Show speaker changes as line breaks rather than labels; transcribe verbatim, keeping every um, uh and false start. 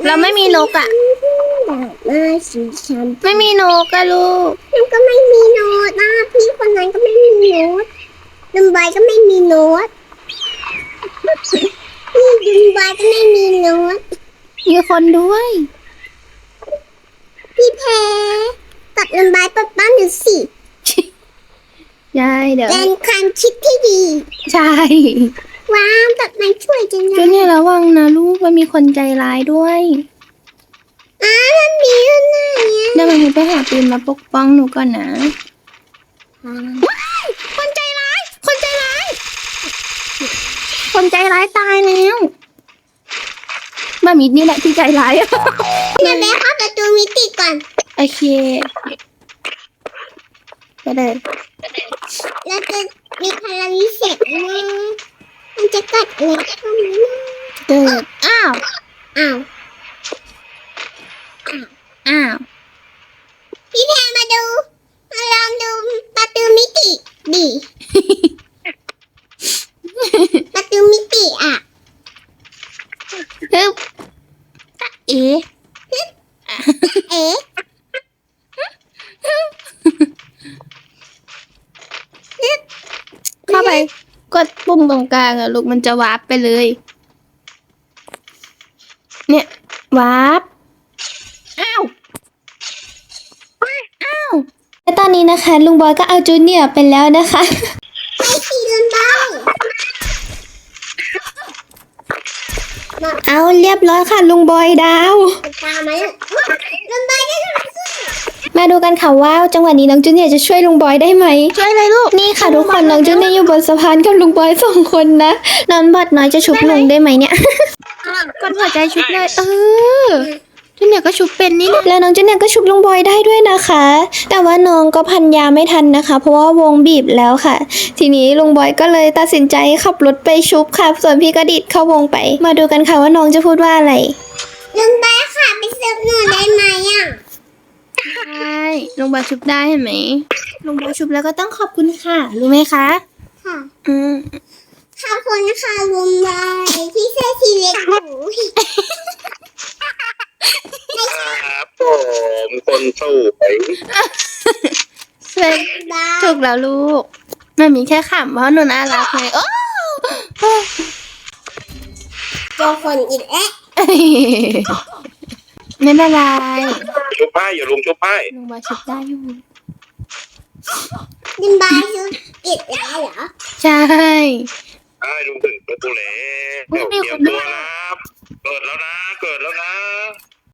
เราไม่มีนกอ่ะ
มาสีฉัน
ไม่มีนกอะลูก
มันก็ไม่มีโน้ตนะพี่คนนั้นก็ไม่มีโน้ตลุงบอยก็ไม่มีโน้ตพี่ลุงบอยก็ไม่มีโน้ต
มีคนด้วย
พี่แพ้ตัดลุงบอยปัดบ้านหนูสิ
ใช่เดี๋ยว
เป็นความคิดที่ดี
ใช่
ว้าวตัดไม้ช่วยจังเลย
จุนเนี่ยระวังนะลูกมันมีคนใจร้ายด้วย
อ้ามันมีอยู่ไหน
เดี๋ยวมันไปหาปืนมาปกป้องหนูก่อนนะคนใจร้ายคนใจร้ายคนใจร้ายตายแล้วมามิดนี่แหละที่ใจร้ายอะ
เดี๋ยวแม่เข้าประตูมิติก่อน
โอเคไปเลย
แล้วจะมีพลังวิเศษนะมันจะกัดอะไรเข้ามานะ
เกิดอ้าว
อ้าว
อ้าว
พี่แพรมาดูมาลองดูประตูมิติดิประตูมิติอ่ะ
ฮึบเอ๋
เอ๊ะ
เข้าไปกดปุ่มตรงกลางอะลูกมันจะวาร์ปไปเลยเนี่ยวาร์ปอ้าวอ้าวและตอนนี้นะคะลุงบอยก็เอาจูเนียร์ไปแล้วนะคะ
ไปสีลุงบอย
เอาเรียบร้อยค่ะลุงบอยดาว
ตามมาลุงบอยได้ลุงขึ้น
มาดูกันค่ะว่าจังหวะนี้น้องจูเนียร์จะช่วยลุงบอยได้ไหมช่วยเลยลูกนี่ค่ะทุกคนน้องจูเนียร์อยู่บนสะพานกับลุงบอยสองคนนะน้องบอดน้อยจะชุบลุงได้ไหมเนี่ยกดหัวใจชุบเลยเออจูเนียร์ก็ชุบเป็นนี่แล้วน้องจูเนียร์ก็ชุบลุงบอยได้ด้วยนะคะแต่ว่าน้องก็พันยาไม่ทันนะคะเพราะว่าวงบีบแล้วค่ะทีนี้ลุงบอยก็เลยตัดสินใจขับรถไปชุบค่ะส่วนพี่ก็ดิดเข้าวงไปมาดูกันค่ะว่าน้องจะพูดว่าอะไร
ลุงบอยค่ะไปเสิร์ฟหนูได้ไหมอ่ะ
ใช่ลุงบอยชุบได้เห็นไหมลุงบอยชุบแล้วก็ต้องขอบคุณค่ะรู้ไหมคะ
ค่ะ
อืม
ขอบคุณค่ะลุงบอยที่เสื้อสีเล็กหนู
ครับผมคนสู้ไป
เซ็ถูกแล้วลูกมันมีแค่ขำเพราะหนูน่ารักไงโอ้
เจอคนอีกแล้ว
ไม่เป็นไร
ชุบป้ายอย่าลุงชุบป้าย
ลุงบอยชุบได้อยู่
ลุงบอยชุบอีกแล้วเหรอ
ใช่
ไอ้ลุงถึงประตูแล้วเตรียมตัวนะเกิดแล้วนะเกิดแล้วนะ